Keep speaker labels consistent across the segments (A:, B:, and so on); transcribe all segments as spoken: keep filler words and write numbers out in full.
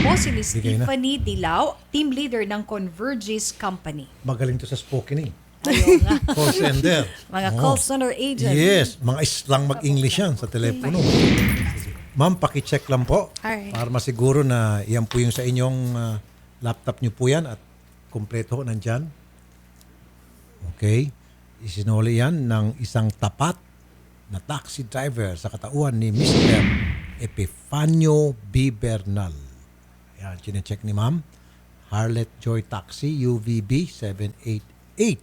A: po si Miss
B: Bigay na.
A: Tiffany Dilao, team leader ng Convergys Company.
B: Magaling to sa spoken eh.
A: Ayun nga.
B: Call center.
A: Mga
B: Oo.
A: call center agent.
B: Yes, mga islang mag-English yan sa telepono. Ma'am, paki-check lang po.
C: Alright.
B: Para masiguro na yan po yung sa inyong ah, laptop nyo po yan at kumpleto nandyan. Okay. Isinuli yan ng isang tapat na taxi driver sa katauhan ni Mister Epifanio B. Bernal. Yan, chinecheck ni ma'am. Harlet Joy Taxi, U V B seven eight eight.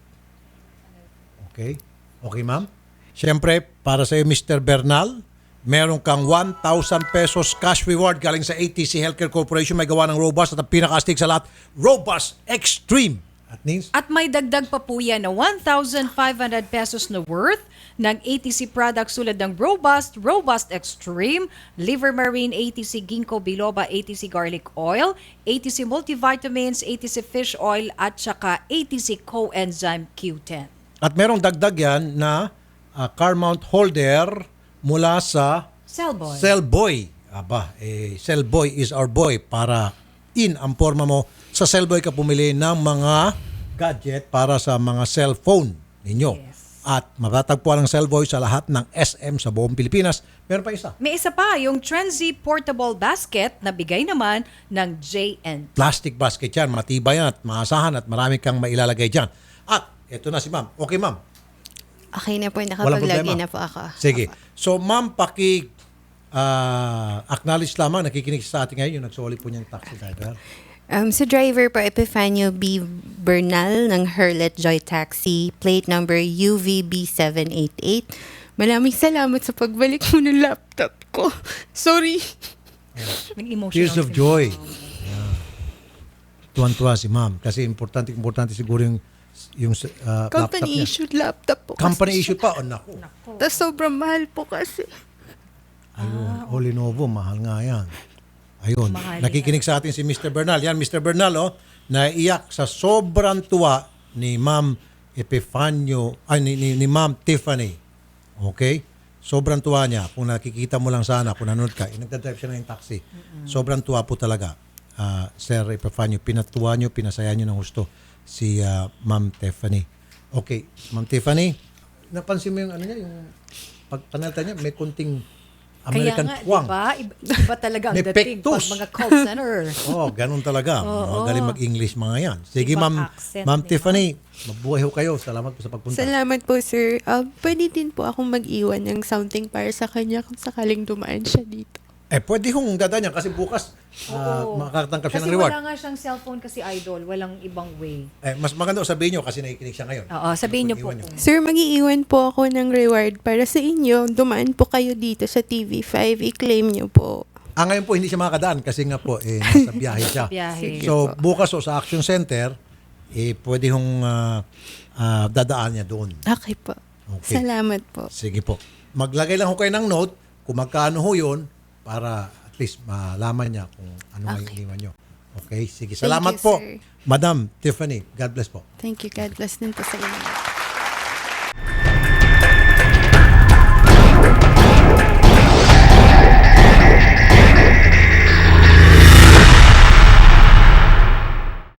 B: Okay? Okay, ma'am? Siyempre, para sa iyo, Mister Bernal, meron kang one thousand pesos cash reward galing sa A T C Healthcare Corporation. May gawa ng Robust at ang pinaka-astig sa lahat, Robust Extreme. At means,
A: At may dagdag pa po yan na one thousand five hundred pesos na worth ng A T C products tulad ng Robust, Robust Extreme, Liver Marine, A T C Ginkgo Biloba, A T C Garlic Oil, A T C Multivitamins, A T C Fish Oil, at saka A T C Coenzyme Q ten.
B: at merong dagdag yan na ah, car mount holder mula sa
A: Cellboy.
B: Cellboy. Aba, eh, Cellboy is our boy para in ang forma mo. Sa Cellboy ka pumili ng mga gadget para sa mga cellphone ninyo.
A: Yes.
B: At matatagpuan ang Cellboy sa lahat ng S M sa buong Pilipinas. Meron pa isa.
A: May isa pa, yung Trenzy Portable Basket na bigay naman ng J N.
B: Plastic basket yan. Matibay yan at maasahan at marami kang mailalagay dyan. At eto na si ma'am. Okay, ma'am.
C: Okay na po,
B: Walang
C: nakapaglagay
B: problema.
C: na po ako.
B: Sige. So, ma'am, paki ah, acknowledge lamang, nakikinig sa atin ngayon yung nagsoli po niyang taxi driver.
C: Um, sa driver po, Epifanio B. Bernal ng Harlet Joy Taxi, plate number U V B seven eight eight. Maraming salamat sa pagbalik mo ng laptop ko. Sorry.
A: Nag-emotional
B: Tears of
A: si-
B: joy. Yeah. Tuwan-tuwa si ma'am. Kasi importante, importante siguro yung, yung ah, laptop
C: Company
B: niya.
C: issued laptop po.
B: Company
C: kasi
B: issue pa? Oh, naku.
C: Tapos sobrang mahal po kasi.
B: Ayun. Oh, Lenovo, mahal nga yan. Ayun.
A: Mahal
B: Nakikinig sa atin si Mister Bernal. Yan, Mister Bernal, oh, naiyak sa sobrang tuwa ni Ma'am Epifanio, ay, ni, ni, ni Ma'am Tiffany. Okay? Sobrang tuwa niya. Kung nakikita mo lang sana, kung nanonood ka, eh, nagdadrive siya na yung taxi. Sobrang tuwa po talaga. Ah, Sir Epifanio, pinatuwa niyo, pinasaya niyo ng gusto si ah, Ma'am Tiffany. Okay, Ma'am Tiffany, napansin mo yung ano niya, yung pagpanalita niya, may kunting American
A: Kaya nga,
B: twang.
A: diba? Iba, iba talaga ang
B: May
A: dating pag
B: pektus.
A: mga call center.
B: Oh, ganun talaga. Magaling mag-English mga yan. Sige,
A: Ibang
B: Ma'am,
A: accent,
B: Ma'am
A: di ba?
B: Tiffany, mabuhay ho kayo. Salamat po sa pagpunta.
C: Salamat po, sir. Um, pwede din po akong mag-iwan ng something para sa kanya kung sakaling dumaan siya dito.
B: Eh, pwede hong dadaan yan kasi bukas uh,
A: Oo.
B: makakatangkap siya
A: Kasi
B: ng reward.
A: wala nga siyang cellphone kasi idol. Walang ibang way.
B: Eh, mas maganda sabihin nyo kasi nakikinig siya ngayon.
A: Oo, sabihin niyo po.
B: Iwan nyo.
C: Sir, mag-iiwan po ako ng reward para sa inyo. Dumaan po kayo dito sa T V five. I-claim niyo po.
B: Ah, ngayon po hindi siya makakadaan kasi nga po eh, nasa biyahe siya.
A: Biyahe.
B: So, bukas o sa Action Center, eh, pwede hong ah, ah, dadaan niya doon.
C: Okay po.
B: Okay.
C: Salamat po.
B: Sige po. Maglagay lang ho kayo ng note kung magkano ho yun para at least malaman niya kung ano okay.
C: Okay.
B: iniwan nyo. Okay? Sige.
C: Thank
B: Salamat
C: you,
B: po.
C: sir.
B: Madam Tiffany, God bless po.
C: Thank you. God bless din po sa inyo.